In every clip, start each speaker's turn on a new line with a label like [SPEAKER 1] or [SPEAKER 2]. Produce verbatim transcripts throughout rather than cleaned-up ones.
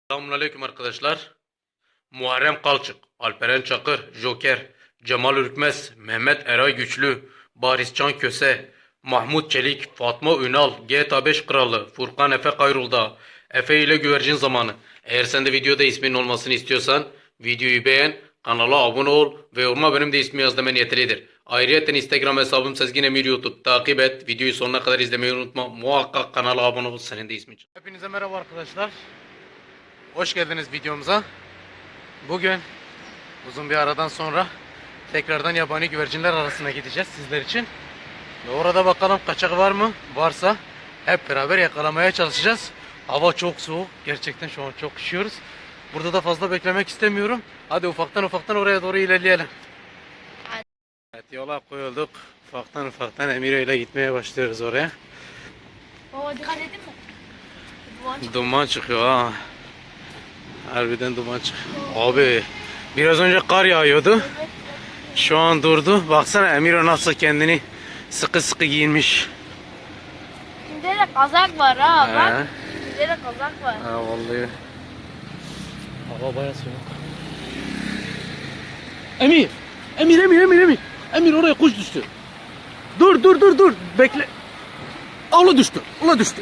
[SPEAKER 1] Selamünaleyküm arkadaşlar. Muharrem Kalçık, Alperen Çakır, Joker, Cemal Ürkmez, Mehmet Eray Güçlü, Bariscan Köse, Mahmut Çelik, Fatma Ünal, G T A beş Kralı, Furkan Efe Kayrul'da, Efe ile Güvercin Zamanı. Eğer sen de videoda ismin olmasını istiyorsan videoyu beğen, kanala abone ol ve yoruma benim de ismi yaz demen yeterlidir. Ayrıca Instagram hesabım Sezgin Emir YouTube takip et. Videoyu sonuna kadar izlemeyi unutma. Muhakkak kanala abone ol, senin de ismin çık. Hepinize merhaba arkadaşlar. Hoş geldiniz videomuza. Bugün uzun bir aradan sonra tekrardan yabani güvercinler arasına gideceğiz sizler için. Ve orada bakalım kaçak var mı? Varsa hep beraber yakalamaya çalışacağız. Hava çok soğuk. Gerçekten şu an çok üşüyoruz. Burada da fazla beklemek istemiyorum. Hadi ufaktan ufaktan oraya doğru ilerleyelim. Evet, yola koyulduk. Ufaktan ufaktan Emire ile gitmeye başlıyoruz oraya.
[SPEAKER 2] Baba dikkat edin mi? Duman çıkıyor.
[SPEAKER 1] Duman çıkıyor ha. Harbiden duman çıkıyor. Abi biraz önce kar yağıyordu.
[SPEAKER 2] Evet.
[SPEAKER 1] Şu an durdu. Baksana Emiro nasıl kendini sıkı sıkı giyinmiş.
[SPEAKER 2] Şimdi de kazak var ha.
[SPEAKER 1] He.
[SPEAKER 2] Bak. Şimdi de kazak var.
[SPEAKER 1] Ha vallahi. Hava bayağı soğuk. Emir! Emir Emir Emir Emir! Emir oraya kuş düştü. Dur dur dur dur. Bekle. Ula düştü. Ula düştü.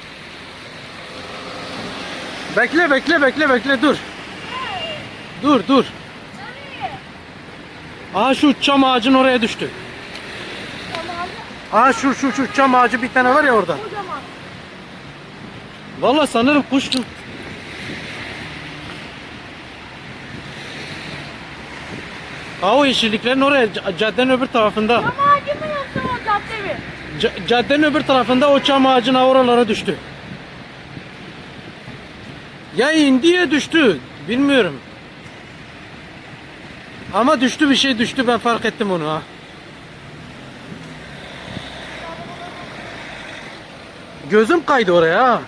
[SPEAKER 1] Bekle bekle bekle bekle dur. Dur dur. Aa şu çam ağacın oraya düştü.
[SPEAKER 2] Tamam.
[SPEAKER 1] Aa şu şu şu çam ağacı bir tane var ya orada.
[SPEAKER 2] Kocaman.
[SPEAKER 1] Vallahi sanırım kuştu. Aa o yeşilliklerin oraya c- caddenin öbür tarafında.
[SPEAKER 2] Çam ağacı mı yoksa o cadde mi?
[SPEAKER 1] C- caddenin öbür tarafında o çam ağacına oralara düştü. Ya indi ya düştü. Bilmiyorum. Ama düştü, bir şey düştü, ben fark ettim onu ha. Gözüm kaydı oraya ha.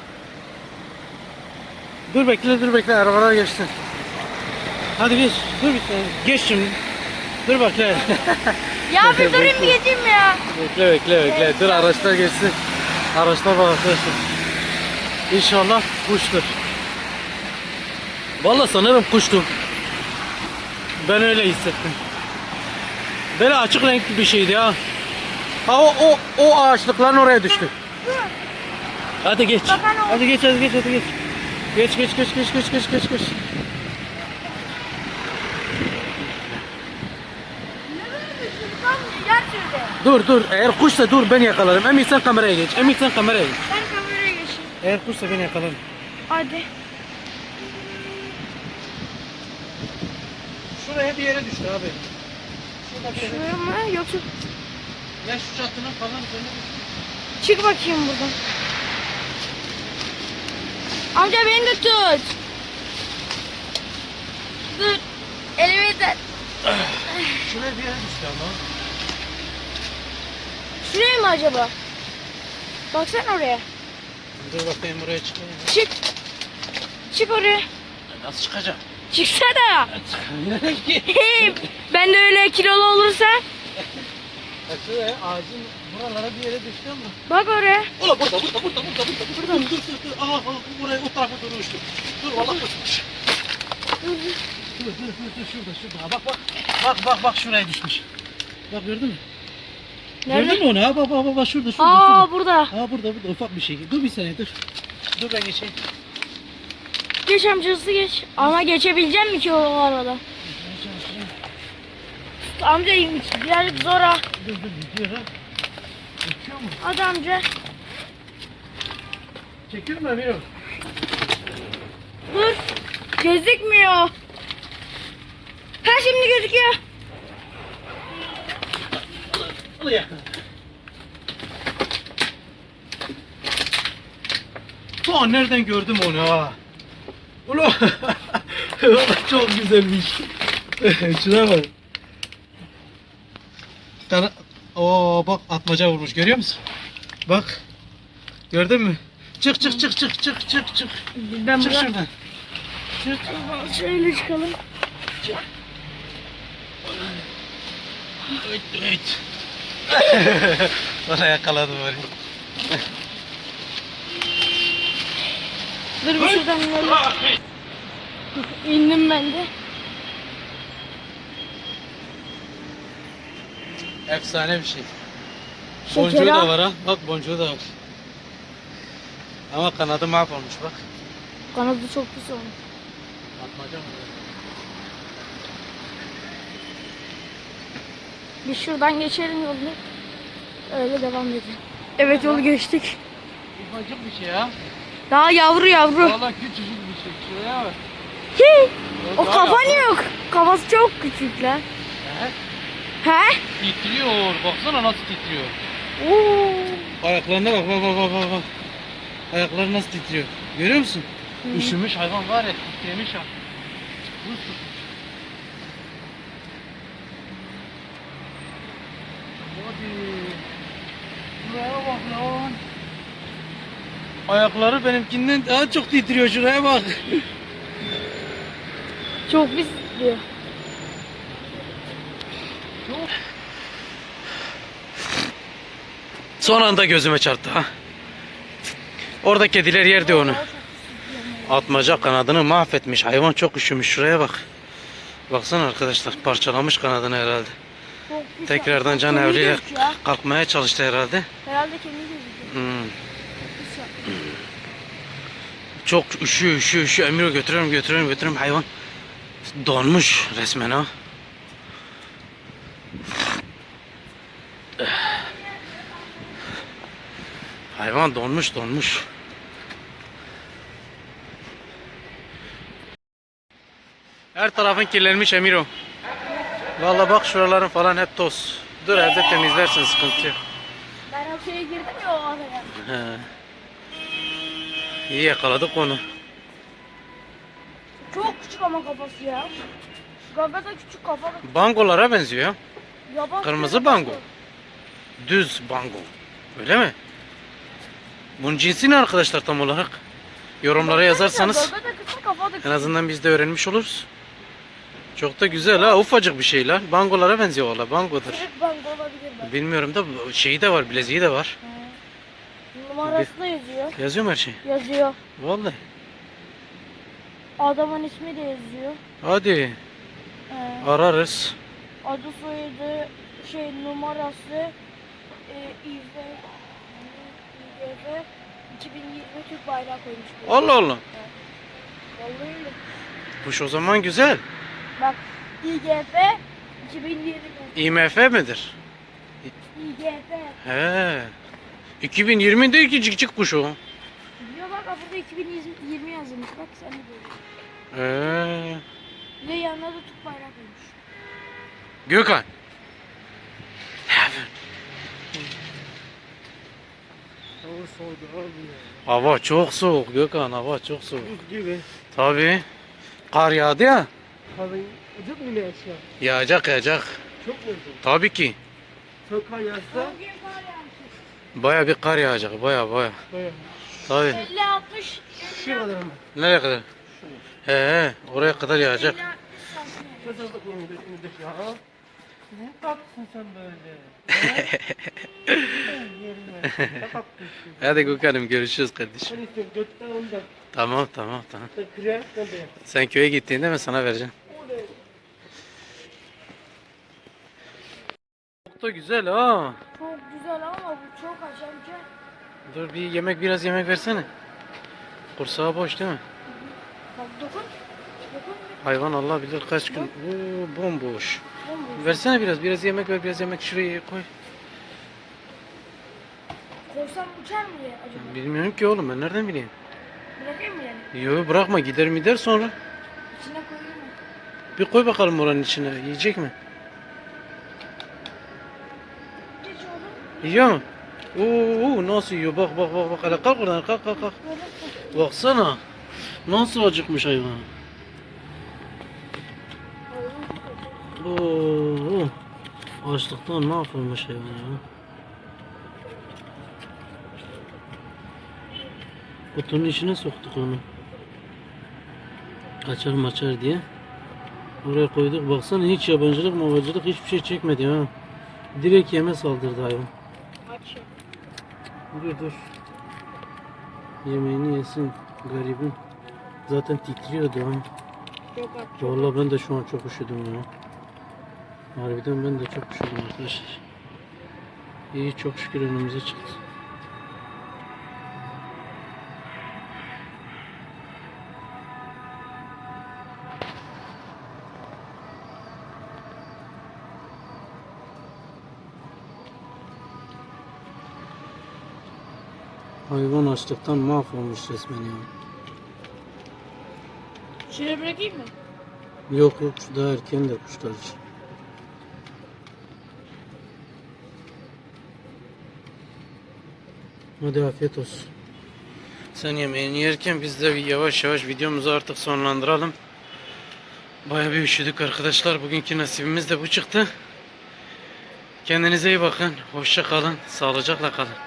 [SPEAKER 1] Dur bekle dur bekle, arabalar geçsin. Hadi geç. Dur bir tane. Geç şimdi. Dur bekle.
[SPEAKER 2] Ya bir durayım bir geçeyim ya.
[SPEAKER 1] Bekle bekle bekle. Dur araçlar geçsin. Araçlar bak arkadaşlar. İnşallah kuştur. Vallahi sanırım kuştu. Ben öyle hissettim. Böyle açık renkli bir şeydi ya. Ha o o o ağaçlıkların oraya düştü. Hadi geç.
[SPEAKER 2] Bakan o-
[SPEAKER 1] Hadi geç hadi geç hadi geç. Geç geç geç geç geç geç geç geç.
[SPEAKER 2] Ne böyle düştün? Tam gel şöyle.
[SPEAKER 1] Dur dur, eğer kuşsa dur ben yakalarım. Emir sen kameraya geç. Emir sen kameraya geç.
[SPEAKER 2] Ben kameraya geçeyim.
[SPEAKER 1] Eğer kuşsa ben yakalarım.
[SPEAKER 2] Hadi.
[SPEAKER 1] Şuraya bir yere düştü abi. Şurada bir yere.
[SPEAKER 2] Şuraya mı yoksa?
[SPEAKER 1] Ya şu çatının falan üzerine düştü.
[SPEAKER 2] Çık bakayım buradan. Amca beni de tut. Dur. Elimi de.
[SPEAKER 1] Şuraya bir yere düştü ama.
[SPEAKER 2] Şuraya mı acaba? Baksana oraya.
[SPEAKER 1] Dur bakayım buraya çıkayım.
[SPEAKER 2] Çık. Çık oraya.
[SPEAKER 1] Nasıl çıkacağım?
[SPEAKER 2] Çıksana.
[SPEAKER 1] Nereye gideyim?
[SPEAKER 2] Hey, ben de öyle kilolu olursa.
[SPEAKER 1] Ya şuraya ağacın buralara bir yere düştü ama.
[SPEAKER 2] Bak oraya.
[SPEAKER 1] Ola burada burada burada burada burada. Burada mı? Dur dur dur. Aha aha buraya o tarafa doğru uçtu. Dur vallahi uçmuş.
[SPEAKER 2] Dur, dur.
[SPEAKER 1] Dur dur dur dur şurada şurada. Bak bak. Bak bak bak şuraya düşmüş. Bak gördün mü?
[SPEAKER 2] Nerede?
[SPEAKER 1] Gördün mü onu? Ha bak bak bak, bak şurada şurada.
[SPEAKER 2] Aa
[SPEAKER 1] şurada.
[SPEAKER 2] burada.
[SPEAKER 1] Ha burada burada ufak bir şey. Dur bir saniye dur. Dur ben geçeyim.
[SPEAKER 2] Geç amcası geç. Ama geçebilecek mi ki o arada? Amca birazcık zor ha.
[SPEAKER 1] Dur dur gidiyor ha. Geçiyor mu?
[SPEAKER 2] Hadi amca.
[SPEAKER 1] Çekiyor mu Emir?
[SPEAKER 2] Dur. Gözükmüyor. Ha şimdi gözüküyor.
[SPEAKER 1] Al ya. Ulan nereden gördüm onu ha? Ulan çok güzelmiş. Şuna bak. Tara Oo bak atmaca vurmuş, görüyor musun? Bak. Gördün mü? Çık çık çık çık çık çık çık.
[SPEAKER 2] Ben
[SPEAKER 1] Çık
[SPEAKER 2] buradan
[SPEAKER 1] şuradan. Çık.
[SPEAKER 2] şöyle çıkalım.
[SPEAKER 1] Evet evet. Bana yakaladım böyle.
[SPEAKER 2] Dur bir şuradan inelim. İndim ben de.
[SPEAKER 1] Efsane bir şey.
[SPEAKER 2] Şekeri
[SPEAKER 1] Boncuğu da
[SPEAKER 2] al.
[SPEAKER 1] var ha. Bak boncuğu da var. Ama kanadı mahvolmuş bak.
[SPEAKER 2] Kanadı çok pis olmuş.
[SPEAKER 1] Atmaca mı?
[SPEAKER 2] Biz şuradan geçelim yolu. Öyle devam edelim. Evet yolu geçtik.
[SPEAKER 1] Ufacık bir şey ya.
[SPEAKER 2] Daha yavru yavru.
[SPEAKER 1] Valla küçücük bir şey. Şuraya bak.
[SPEAKER 2] Hi! O
[SPEAKER 1] Daha
[SPEAKER 2] kafa
[SPEAKER 1] yavru.
[SPEAKER 2] ne yok? Kafası çok küçük lan.
[SPEAKER 1] He?
[SPEAKER 2] He?
[SPEAKER 1] Titriyor. Baksana nasıl titriyor.
[SPEAKER 2] Oo.
[SPEAKER 1] Ayaklarına bak bak bak bak bak. Ayakları nasıl titriyor. Görüyor musun?
[SPEAKER 2] Hı.
[SPEAKER 1] Üşümüş hayvan var ya, titremiş ha. Buz tutmuş. Hadi. Şuraya bak lan. Ayakları benimkinden daha çok titriyor, şuraya bak.
[SPEAKER 2] Çok pis diyor.
[SPEAKER 1] Son anda gözüme çarptı ha. Orada kediler yerdi onu. Atmaca kanadını mahvetmiş. Hayvan çok üşümüş. Şuraya bak. Baksana arkadaşlar, parçalamış kanadını herhalde.
[SPEAKER 2] Çok pis.
[SPEAKER 1] Tekrardan can
[SPEAKER 2] Kemiği
[SPEAKER 1] evliyle
[SPEAKER 2] gözüküyor ha.
[SPEAKER 1] kalkmaya çalıştı herhalde.
[SPEAKER 2] Herhalde kemiği gözüküyor.
[SPEAKER 1] Hmm.
[SPEAKER 2] Pis yapmış.
[SPEAKER 1] Çok üşüyor, üşüyor, üşüyor. Emiro götürüyorum, götürüyorum, götürüyorum. Hayvan donmuş resmen ha. Hayvan donmuş, donmuş. Her tarafın kirlenmiş Emiro. Vallahi bak şuraların falan hep toz. Dur evde temizlersin, sıkıntı yok.
[SPEAKER 2] Ben o şeye girdim ya o araya.
[SPEAKER 1] He. İyi yakaladık onu.
[SPEAKER 2] Çok küçük ama kafası ya. Gaga da küçük kafa da küçük.
[SPEAKER 1] Bangolara benziyor ya.
[SPEAKER 2] Yaban
[SPEAKER 1] Kırmızı
[SPEAKER 2] kafası.
[SPEAKER 1] bango. Düz bango. Öyle mi? Bunun cinsi ne arkadaşlar tam olarak? Yorumlara yazarsanız
[SPEAKER 2] Gaga da küçük kafa da küçük.
[SPEAKER 1] en azından biz de öğrenmiş oluruz. Çok da güzel ha, ufacık bir şey lan. Bangolara benziyor valla, bangodur.
[SPEAKER 2] Küçük bango olabilir bak.
[SPEAKER 1] Bilmiyorum da şeyi de var, bileziği de var.
[SPEAKER 2] He. Numarası da yazıyor.
[SPEAKER 1] Yazıyor mu her şey?
[SPEAKER 2] Yazıyor.
[SPEAKER 1] Vallahi.
[SPEAKER 2] Adamın ismi de yazıyor.
[SPEAKER 1] Hadi
[SPEAKER 2] Ee,
[SPEAKER 1] ararız.
[SPEAKER 2] adı soyadı şey numarası e, İV İV iki bin yirmi Türk bayrağı koymuş. buraya.
[SPEAKER 1] Allah Allah.
[SPEAKER 2] Vallahi öyle.
[SPEAKER 1] Kuş o zaman güzel.
[SPEAKER 2] Bak İGF iki bin yirmi
[SPEAKER 1] I M F midir?
[SPEAKER 2] İGF
[SPEAKER 1] He. iki bin yirmi değil ki, cikcik kuş o.
[SPEAKER 2] diyor bak burada iki bin yirmi yazılmış bak sen de görüyorsun.
[SPEAKER 1] He.
[SPEAKER 2] Ve yanına da Türk bayrağı koymuş.
[SPEAKER 1] Gökhan.
[SPEAKER 3] Hava soğudu abi ya.
[SPEAKER 1] Hava çok soğuk Gökhan, hava çok soğuk.
[SPEAKER 3] Buz gibi.
[SPEAKER 1] Tabii. Kar yağdı ya.
[SPEAKER 3] Hava acık mı ne aşağı?
[SPEAKER 1] Yağacak yağacak.
[SPEAKER 3] Çok mu oldu?
[SPEAKER 1] Tabii ki.
[SPEAKER 3] Çok kar yağsa
[SPEAKER 2] Bugün kar yağmış.
[SPEAKER 1] Baya bir kar yağacak, baya baya.
[SPEAKER 3] bayağı.
[SPEAKER 1] Tabii.
[SPEAKER 2] elli altmış
[SPEAKER 3] Şu kadar mı?
[SPEAKER 1] Nereye kadar? He he, oraya kadar yağacak.
[SPEAKER 2] elli altmış santimetre.
[SPEAKER 3] Nasıl da koyun önünde ya? Ne tatlısın sen böyle? Yerine. Ne tatlısın.
[SPEAKER 1] Hadi Gökhan'ım, görüşürüz kardeşim.
[SPEAKER 3] Sen istiyorsun götten ondan.
[SPEAKER 1] Tamam tamam tamam.
[SPEAKER 3] Sen kırıya sen de yap.
[SPEAKER 1] Sen köye gittiğinde ben sana vereceğim.
[SPEAKER 3] Oley.
[SPEAKER 1] Çok da güzel ha.
[SPEAKER 2] Çok güzel ama bu çok acayip.
[SPEAKER 1] Dur bir yemek, biraz yemek versene. Kursağı boş değil mi?
[SPEAKER 2] Bak dokun. Dokun.
[SPEAKER 1] Hayvan Allah bilir kaç gün. Oo, bomboş.
[SPEAKER 2] Bomboş.
[SPEAKER 1] Versene biraz, biraz yemek ver, biraz yemek şuraya koy.
[SPEAKER 2] Koysam uçar mı diye acaba?
[SPEAKER 1] Bilmiyorum ki oğlum, ben nereden bileyim?
[SPEAKER 2] Bırakayım mı yani?
[SPEAKER 1] Yo, bırakma, gider mi der sonra.
[SPEAKER 2] İçine koyayım mı?
[SPEAKER 1] Bir koy bakalım oranın içine, yiyecek mi?
[SPEAKER 2] Geç oğlum.
[SPEAKER 1] Yiyor mu? Oo, nasıl yiyor, bak bak bak bak, hele kalk oradan, kalk kalk kalk.
[SPEAKER 2] Böyle
[SPEAKER 1] Baksana, nasıl acıkmış hayvan. Oo, açlıktan mahvolmuş hayvan ya. Kutunun içine soktuk onu. Açar maçar diye. Oraya koyduk. Baksana, hiç yabancılık mavacılık hiçbir şey çekmedi ha. Direkt yeme saldırdı hayvan.
[SPEAKER 2] aç.
[SPEAKER 1] Dur dur. Yemeğini yesin garibim. Zaten titriyordu ha.
[SPEAKER 2] Yok artık.
[SPEAKER 3] Vallahi ben de şu an çok üşüdüm ya. Harbiden ben de çok üşüdüm arkadaşlar. İyi, çok şükür önümüze çıktı. Hayvan açlıktan mahvolmuş resmen ya.
[SPEAKER 2] Şöyle bırakayım mı?
[SPEAKER 3] Yok yok, şu daha erken de kuşlar için. Hadi afiyet olsun. Sen yemeğini yerken biz de bir yavaş yavaş videomuzu artık sonlandıralım. Bayağı bir üşüdük arkadaşlar. Bugünkü nasibimiz de bu çıktı. Kendinize iyi bakın. Hoşça kalın. Sağlıcakla kalın.